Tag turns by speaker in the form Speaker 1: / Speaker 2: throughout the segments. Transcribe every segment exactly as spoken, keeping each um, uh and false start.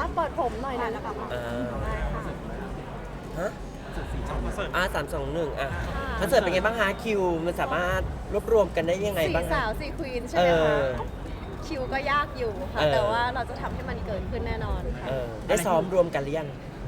Speaker 1: เปิดผมหน่อยนะนะคะ
Speaker 2: อ่า
Speaker 1: ได้ค่ะ
Speaker 2: ฮะ
Speaker 3: คอนเสิร์ต
Speaker 2: อ่าสามสองหนึ่งอ่ะ
Speaker 1: ค่ะ
Speaker 2: คอนเสิร์ตเป็นไงบ้างคะคิวมันสามารถรวบรวมกันได้ยังไง
Speaker 1: สี่
Speaker 2: บ้าง
Speaker 1: สา
Speaker 2: คะ
Speaker 1: วสี่ควีนใช่
Speaker 2: เอ
Speaker 1: ไหมคะ
Speaker 2: อ
Speaker 1: คิวก็ยากอยู่ค่ะ
Speaker 2: เออ
Speaker 1: แต่ว่าเราจะทำให้มันเกิดขึ้นแน่นอนค่ะ
Speaker 2: เออได้ซ้อมรวมกันหรือยัง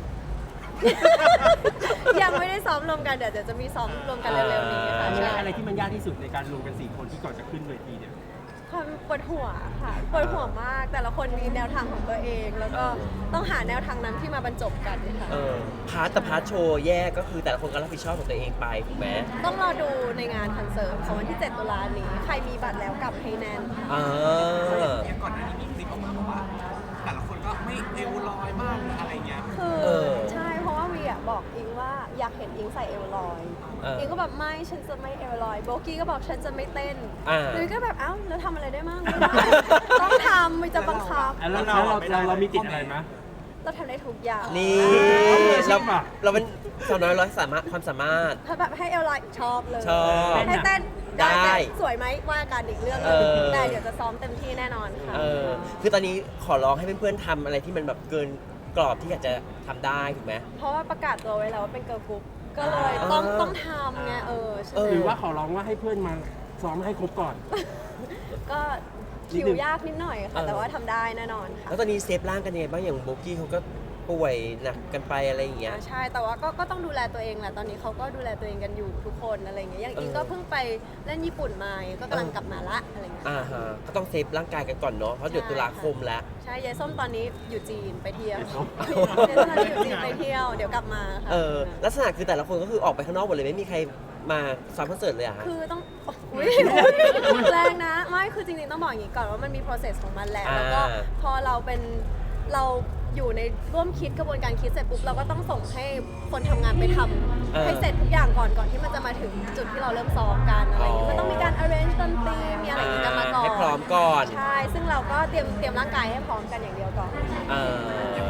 Speaker 1: ยังไม่ได้ซ้อมรวมกันเดี๋ยวเดี๋ยวจะมีซ้อมรวมกันเร็วๆนี้ค่ะ
Speaker 3: อะไร
Speaker 1: ใช่
Speaker 3: อะไรที่มันยากที่สุดในการรวมกันสี่คนที่ก่อนจะขึ้นเวทีเนี่ย
Speaker 1: ความปวดหัวค่ะปวดหัวมากแต่ละคนมีแนวทางของตัวเอง แล้วก็ต้องหาแนวทางนั้นที่มาบรรจบกันค่ะ
Speaker 2: เออพาร์ทแต่พาร์ทโชว์แยกก็คือแต่ละคนก็รับผิดชอบของตัวเองไปถูกไหม
Speaker 1: ต้องรอดูในงานคอนเสิร์ตของวันที่ เจ็ด ตุลานี้ ใครมีบัตรแล้วกลับให้แน่นค่ะ
Speaker 2: อ่า
Speaker 4: อย่างก่อนหน้านี้มีคลิปออกมาบอกว่า แต่ละคนก็ไม่เอวลอยมากอะไรเงี้ย
Speaker 1: คือ
Speaker 2: เออ
Speaker 1: ใช่เพราะว่าวีอะบอกอิงว่าอยากเห็นอิงใส่เอวลอย
Speaker 2: เอออิ
Speaker 1: งก็แบบไม่ฉันจะไม่เอวลอยโบกี้ก็บอกฉันจะไม่เต้น
Speaker 2: อ่า
Speaker 1: เลยก็แบบเอ้าแล้วทำอะไรได้มั่งไม่ได้ ต้องทำมันจะบังคับ
Speaker 3: แล้วแล้วเราเราเรามีติดอะไรไหม
Speaker 1: เราทำได้ทุกอย่าง
Speaker 2: นี่
Speaker 3: เอามืออาชี
Speaker 2: เรา
Speaker 3: พอะ
Speaker 2: เราเป็นสาวน้อยร้อยสามารถความสามารถ
Speaker 1: ถ้าแบบให้เอวลอยชอบเลย
Speaker 2: ชอบ
Speaker 1: ให้เต้น
Speaker 2: ได้
Speaker 1: แต่สวยไหมว่ากันอีกเรื่องหนึง
Speaker 2: เออ
Speaker 1: แต่เดี๋ยวจะซ้อมเต็มที่แน่นอนค่ะ
Speaker 2: เออคือตอนนี้ขอร้องให้เพื่อนๆทำอะไรที่มันแบบเกินกรอบที่อยากจะทำได้ถูกไหม
Speaker 1: เพราะว่าประกาศตัวไว้แล้วว่าเป็นเกิร์ลกรุ๊ปก็เลยต้อง
Speaker 2: อ่า
Speaker 1: ต้องทำไงเออใช่
Speaker 2: เอ
Speaker 1: ไหม
Speaker 3: หรือว่าขอร้องว่าให้เพื่อนมาซ้อมให้ครบก่อน
Speaker 1: ก็
Speaker 3: นิด
Speaker 1: คิ
Speaker 3: นึ
Speaker 1: ว
Speaker 3: ง
Speaker 1: ยากนิดหน่อยค่ะ แต่ว่าทำได้แน่นอนค่ะ
Speaker 2: แล้วตอนนี้เซฟร่างกันยังไงบ้างอย่างโบกี้เขาก็ป่วยหนักกันไปอะไรอย่างเงี้ย
Speaker 1: อ่าใช่ แต่ว่าก็ก็ต้องดูแลตัวเองแหละ ตอนนี้เขาก็ดูแลตัวเองกันอยู่ทุกคนอะไรอย่างเงี้ย อย่างอิง
Speaker 2: เออ
Speaker 1: ก็เพิ่งไปเล่นญี่ปุ่นมาก็กำลังกลับมาละอะไรเงี้ย
Speaker 2: อ่าฮะก็ต้องเซฟร่างกายกันก่อนเนาะเพราะเดี๋ยวตุลาคมแล้ว
Speaker 1: ใช่ ยายส้มตอนนี้อยู่จีนไปเที่ยว
Speaker 3: ยายส้ม
Speaker 1: ยายส้มตอนนี้อยู่จีนไปเที่ยว เดี๋ยวกลับมาค่ะ
Speaker 2: เออลักษณะคือแต่ละคนก็คือออกไปข้างนอกหมดเลยไม่มีใครมาซ้อมคอนเสิร์ตเลยอะฮะ
Speaker 1: คือต้องอุ๊ยแรงนะ ไม่ คือจริงๆต้องบอกอย่างนี้ก่อนว่ามันมี process ของมันแหละ
Speaker 2: อ่า
Speaker 1: แล้วก็พอเราเป็นเราอยู่ในร่วมคิดกระบวนการคิดเสร็จปุ๊บเราก็ต้องส่งให้คนทำงานไปทำให้เสร็จทุกอย่างก่อนก่อนที่มันจะมาถึงจุดที่เราเริ่มซ้อมกันอะไรอย่างเงี้ยมันต้องมีการ arrange ดนตรีมีอะไรอย่างเงี้ยกันมาก่อน
Speaker 2: ให้พร้อมก่อน
Speaker 1: ใช่ ซึ่งเราก็เตรียมเตรียมร่างกายให้พร้อมกันอย่างเดียวก่อน
Speaker 2: เออ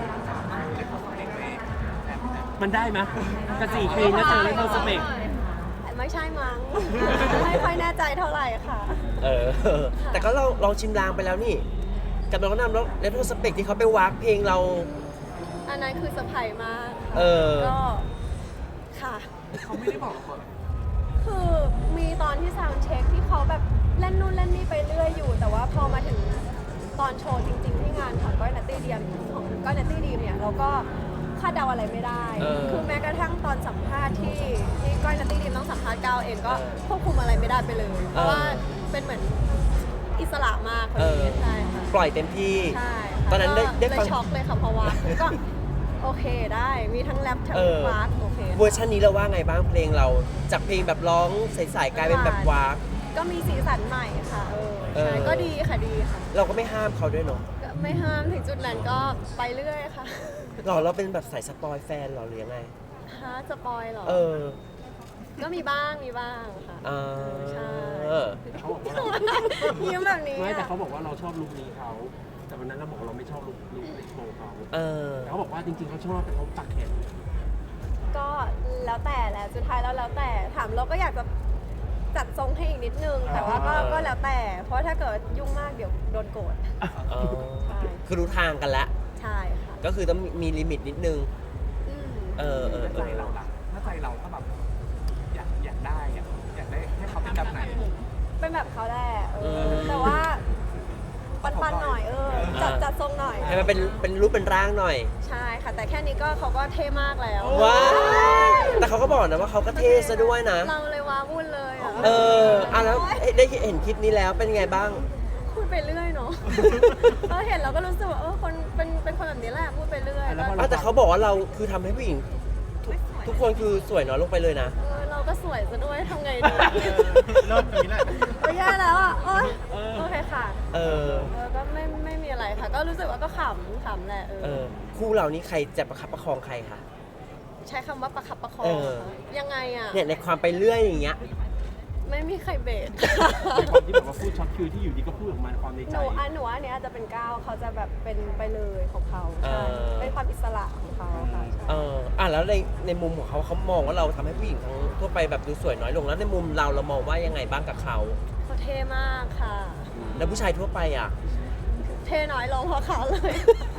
Speaker 3: มันได้ไหมกระสี่ควีนนะเธอเล่นโนสเปก
Speaker 1: ไม่ใช่มั้ง ไม่ค่อยแน่ใจเท่าไหร่ค่ะ
Speaker 2: เออ แต่ก็เราลองชิมลางไปแล้วนี่ กับน้องนำแล้วเลโทสเปกที่เขาไปวากเพลงเรา
Speaker 1: อันนั้นคือเซอร์ไพรส์มากค่ะ
Speaker 2: เออ
Speaker 1: ก็ค่ะ
Speaker 4: เขาไม่ได้บอกก่อน
Speaker 1: คือมีตอนที่ซาวด์เช็คที่เขาแบบเล่นนู่นเล่นนี่ไปเรื่อยอยู่ แต่ว่าพอมาถึงตอนโชว์จริง ๆ ที่งานของก้อยนัตตี้เดียมของก้อยนัตตี้ดีมเนี่ยเราก็คาดเดาอะไรไม่ได้
Speaker 2: เออ
Speaker 1: คือแม้กระทั่งตอนสัมภาษณ์ที่ที่ก้อยนัตตี้ดีมต้องสัมภาษณ์ก้าวเองก็
Speaker 2: เออ
Speaker 1: ควบคุมอะไรไม่ได้ไปเลย เพราะ
Speaker 2: เออ
Speaker 1: ว่าเป็นเหมือนอิสระมากคน
Speaker 2: เออ
Speaker 1: นี้ใช่ค่ะ
Speaker 2: ปล่อยเต็มที่
Speaker 1: ใช่ค่ะ
Speaker 2: ตอนนั้นได้
Speaker 1: ก็
Speaker 2: ได้
Speaker 1: เล
Speaker 2: ฟัง
Speaker 1: ยช็อกเลยค่ะเพราะว่าก็โอเคได้มีทั้งแรปทั้ง
Speaker 2: เออ
Speaker 1: ฟาสโอเค
Speaker 2: เวอร์ชันนี้เราว่าไงบ้างเพลงเรา จากเพลงแบบร้องใสๆกลายเป็นแบบวาก
Speaker 1: ก็มีสีสันใหม่ค่ะเออ
Speaker 2: เออ
Speaker 1: ใช่ก็ดีค่ะดีค่ะ
Speaker 2: เราก็ไม่ห้ามเขาด้วยเนาะ
Speaker 1: ก็ไม่ห้ามถึงจุดนั้นก็ไปเรื่อยค่ะ
Speaker 2: หรอเราเป็นแบบสายสปอยแฟนเหรอหรือยังไง
Speaker 1: ฮะสปอยเหรอ
Speaker 2: เออ
Speaker 1: ก็มีบ้างมีบ้างค่ะ
Speaker 2: อ่า
Speaker 1: ใช่
Speaker 3: เขาบอกว่า
Speaker 1: ยิ้มแบบนี้
Speaker 3: ไม่แต่
Speaker 1: อะ
Speaker 3: เขาบอกว่าเราชอบลุคนี้เขา แต่วันนั้นเราบอกว่าเราไม่ชอบลุคลุคโชว์เขา
Speaker 2: เออ
Speaker 3: แต่เขาบอกว่าจริงๆเขาชอบแต่เขาปักแขน
Speaker 1: ก็แล้วแต่แหละสุดท้ายแล้วแล้วแต่ถามเราก็อยากจะจัดทรงให้อีกนิดนึง แต่ว่าก็
Speaker 2: อ่า
Speaker 1: ก็แล้วแต่ เพราะถ้าเกิดยุ่งมากเดี๋ยวโดนโกรธ
Speaker 2: อ๋อ
Speaker 1: ใช่
Speaker 2: คือรู้ทางกันแล้ว
Speaker 1: ใช่ค่ะ
Speaker 2: ก็คือต้องมีลิมิตนิดนึง
Speaker 1: อืม
Speaker 2: เออเออ
Speaker 4: ถ้า
Speaker 2: เอ
Speaker 4: ใจ
Speaker 2: อ
Speaker 4: เราล่ะถ้าใจเราก็แบบอยากอยากได้อะอยากได้ให้เขาเป็นแบบไหน
Speaker 1: เป็นแบบเขาแหละเออแต่ว่าปันๆหน่อยเออจัดจัดทรงหน่อย
Speaker 2: ให้มันเป็นเป็นรูปเป็นร่างหน่อย
Speaker 1: ใช่ค่ะ แต่แค่นี้ก็เขาก็เท่มากแล้ว
Speaker 2: ว้าวแต่เขาก็บอกนะว่าเขาก็เท่ซะด้วยนะ
Speaker 1: เราเลยว้าวุ่นเลยอ่ะ
Speaker 2: เอออ่ะแล้วเอ๊ะได้เห็นคลิปนี้แล้วเป็นไงบ้าง
Speaker 1: พูดไปเรื่อยเนาะ เออเห็นเราก็รู้สึกว่าเออคนเป็นเป็นคนแบบนี้แหละพูดไปเรื่อย
Speaker 3: แล้วพอ
Speaker 2: อ่ะแต่เขาบอกว่าเราคือทำให้ผู้หญิงทุกทุกคนคือสวยน้อยลงไปเลยนะ
Speaker 1: เออเราก็สวยซะด้วยทำไงดี
Speaker 4: เริ่มอย่างนี้แหละ
Speaker 1: โอ้ยแย่แล้วอ่ะโอ๊ยโอเคค่ะ
Speaker 2: เออ
Speaker 1: เออก็ไม่ไม่มีอะไรค่ะ ก็รู้สึกว่าก็ขำขำแหละเอ
Speaker 2: เอ
Speaker 1: อ
Speaker 2: อ คู่เรานี่ใครจะประคับประคองใครคะ
Speaker 1: ใช้คำว่าประคับประคอ
Speaker 2: เอง อ
Speaker 1: ค่ะยังไงอ่ะ
Speaker 2: เนี่ยในความไปเรื่อยอย่างเงี้ย
Speaker 1: ไม่มีใครเบรก
Speaker 3: เป็นความที่แบบว่าพูดช็อตคิวที่อยู่ดีก็พูดออกมาความใน
Speaker 1: ห
Speaker 3: ใจ
Speaker 1: นูอันหนูว่าอันเนี้ยอาจจะเป็นก้าวเขาจะแบบเป็นไปเลยของเขา
Speaker 2: เอ
Speaker 1: ใช่
Speaker 2: อ
Speaker 1: เป็นความอิสระของเขาค่ะใช่
Speaker 2: เอออ่ะแล้วในในมุมของเขาเขามองว่าเราทำให้ผู้หญิงทั้งทั่วไปแบบดูสวยน้อยลงแล้วในมุมเราเรามองว่ายังไงบ้างกับเขา
Speaker 1: เขาเท่มากค่ะ
Speaker 2: แล้วผู้ชายทั่วไปอ่ะ
Speaker 1: เท่น้อยลงเพราะเขาเลย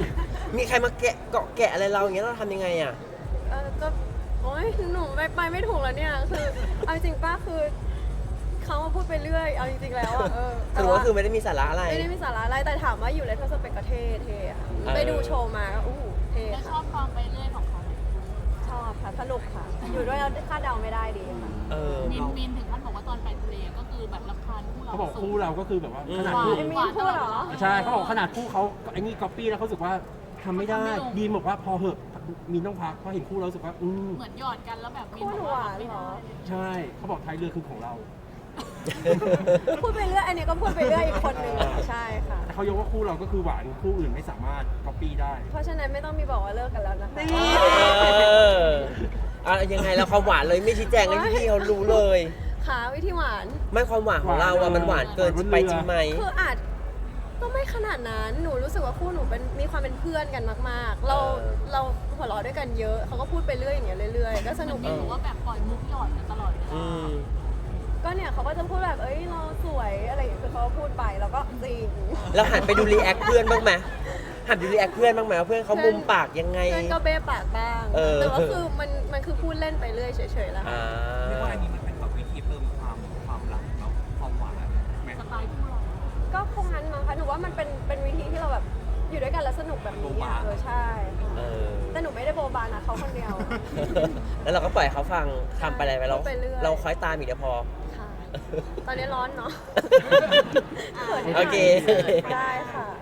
Speaker 2: มีใครมาแกะเกาะแกะอะไรเราอย่างเงี้ยเราทำยังไงอ่ะ
Speaker 1: เออก็โอ๊ยหนูไปไปไม่ถูกแล้วเนี่ยคือเอาจริงป้าคือเขามาพูดไปเรื่อยเอาจริงๆแล้วอะเออ
Speaker 2: สรุปก็คือไม่ได้มีสาระอะไร
Speaker 1: ไม่ได้มีสาระอะไรแต่ถามว่าอยู่เลทสเปกก็เท่เท่ค่ะ
Speaker 2: เออ
Speaker 1: ไปดูโชว์มาก็อู้หูเท่
Speaker 5: แล้วช
Speaker 1: ค่ะ
Speaker 5: อบความไปเรื่อยของเขาไหม
Speaker 1: ชอบค่ะสนุกค่ะ อยู่ด้วยแล้วคาดเดาไม่ได้ดีค่ะ
Speaker 2: เออ
Speaker 5: มินมินถึงขั้นบอกว่าตอนไปทะเลก็คือแบบรำคาญคู่เรา
Speaker 3: เขาบอกคู่เราก็คือแบบว่า
Speaker 2: อืม
Speaker 3: ขนาดคู่
Speaker 1: ไอ้มีนพูดเหรอ
Speaker 3: ใช่เขาบอกขนาดคู่เขาไอ้นี่ก๊อปปี้แล้วเขารู้สึกว่าทำไม่ได้ดีมบอกว่าพอเหอะมีนต้องพักเพราะเห็นคู่เรารู้สึกว่าอืม
Speaker 5: เหมือนหยอดกันแล้วแบบมิน
Speaker 1: คู่
Speaker 5: บ
Speaker 1: ห
Speaker 5: อก
Speaker 1: วา
Speaker 5: ว่าน ไม่
Speaker 1: เหร
Speaker 5: ได้
Speaker 1: อ
Speaker 3: ใช่เขาบอกท้ายเรือคือของเรา
Speaker 1: พูดไปเรื่อยอันนี้ก็พูดไปเรื่อยอีกคนหนึ่งอะใช่ค่ะ
Speaker 3: แต่เขายกว่าคู่เราก็คือหวานคู่อื่นไม่สามารถก๊อปปี้ได้
Speaker 1: เพราะฉะนั้นไม่ต้องมีบอกว่าเลิกกันแล้วนะคะ
Speaker 2: เอออ่ะยังไงแล้วความหวานเลยไม่ชี้แจงให้พี่ๆเขารู้เลย
Speaker 1: ค่ะวิธีหวาน
Speaker 2: ไม่ความหวานของเราอะมันหวานเกินไปจริงไหม
Speaker 1: คืออาจก็ไม่ขนาดนั้น หนูรู้สึกว่าคู่หนูเป็นมีความเป็นเพื่อนกันมากๆ เรา
Speaker 2: เออ
Speaker 1: เราหัวเราะด้วยกันเยอะ เขาก็พูดไปเรื่อยอย่างเงี้ยเรื่อยๆ ก็สนุก
Speaker 5: มิน
Speaker 1: ดี
Speaker 5: บอกว่าแบบปล่อยมุกหยอดกันตลอดเวลา
Speaker 2: อืม
Speaker 1: ก็เนี่ยเขาก็จะพูดแบบ เอ้ยเราสวยอะไรอย่างเงี้ยคือเขาก็พูดไปแล้วก็จริง
Speaker 2: แล้วหันไปดูรีแอคเพื่อนบ้างไหมหันไปดูรีแอคเพื่อนบ้างไหมว่าเพื่อนเขามุมปากยังไง
Speaker 1: เพื่อนก็เบ้ปากบ้าง
Speaker 2: เออ
Speaker 1: แต่ว่าคือมันมันคือพูดเล่นไปเรื่อยเฉยๆแล้วค่ะ
Speaker 2: อ่า
Speaker 4: เรียกว่าอันนี้มันเป็นแบบวิธีเพิ่มความความรักเนาะความหวานไหม
Speaker 5: สไตล์คู่เรา
Speaker 1: ก็คงงั้นมั้งคะหนูว่ามันเป็นเป็นวิธีที่เราแบบอยู่ด้วยกันแล้วสนุกแบบนี้อ่ะเออใช่
Speaker 2: เออ
Speaker 1: แต่หนูไม่ได้โบบานะเขาคนเดียว
Speaker 2: แล้วเราก็ปล่อยเขาฟังทำไปอะไรไปเรา
Speaker 1: พูดไปเรื่อย
Speaker 2: เราคอยตามอีกเดียวพอ
Speaker 1: ค่ะ ตอนนี้ร้อนเนาะ
Speaker 2: โอเค
Speaker 1: ได้ค่ะ